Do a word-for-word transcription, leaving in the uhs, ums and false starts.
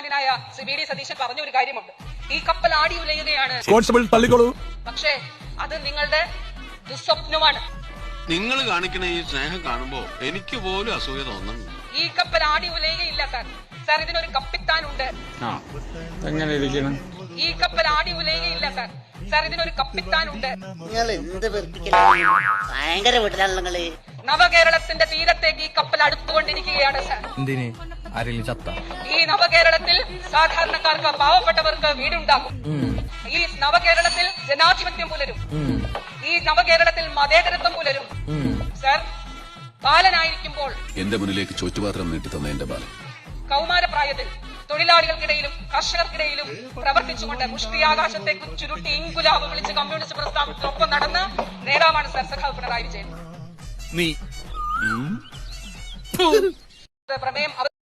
ബഹുമാനായ Shri V D Satheesan പറഞ്ഞ ഒരു കാര്യമുണ്ട്. ഈ കപ്പൽ ആടി ഉലയുകയാണ്, പക്ഷേ അത് നിങ്ങളുടെ ദുസ്വപ്നമാണ്. നിങ്ങൾ കാണിക്കുന്ന ഈ സ്നേഹം കാണുമ്പോ എനിക്ക് പോലും അസൂയ തോന്നുന്നു. ഈ കപ്പൽ ആടി ഉലയുകയില്ല സാർ. സാർ ഇതിനൊരു കപ്പിത്താനുണ്ട്. ഈ കപ്പൽ ആടി ഉലയുകയില്ല സാർ. സാർ ഇതിനൊരു കപ്പിത്താനുണ്ട്. ഭയങ്കര വീട്ടിലാണല്ലോ നിങ്ങള്. നവകേരളത്തിന്റെ തീരത്തേക്ക് ഈ കപ്പൽ അടുത്തുകൊണ്ടിരിക്കുകയാണ് സാർ. ഈ നവകേരളത്തിൽ സാധാരണക്കാർക്ക്, പാവപ്പെട്ടവർക്ക് വീടുണ്ടാകും. ഈ നവകേരളത്തിൽ ജനാധിപത്യം പുലരും. ഈ നവകേരളത്തിൽ മതേതരത്വം പുലരും. സാർ, ബാലനായിരിക്കുമ്പോൾ എന്റെ മുന്നിലേക്ക് ചോറ്റുപാത്രം നീട്ടി തന്ന എന്റെ ബാലൻ കൗമാരപ്രായത്തിൽ തൊഴിലാളികൾക്കിടയിലും കർഷകർക്കിടയിലും പ്രവർത്തിച്ചുകൊണ്ട് മുഷ്ടിയാകാശത്തേക്ക് ചുരുട്ടി ഇൻകുലാബ് വിളിച്ച് കമ്മ്യൂണിസ്റ്റ് പ്രസ്ഥാനത്തിനൊപ്പം നടന്ന നേതാവാണ് സർ സഖാവ് പിണറായി വിജയൻ. പ്രമേയം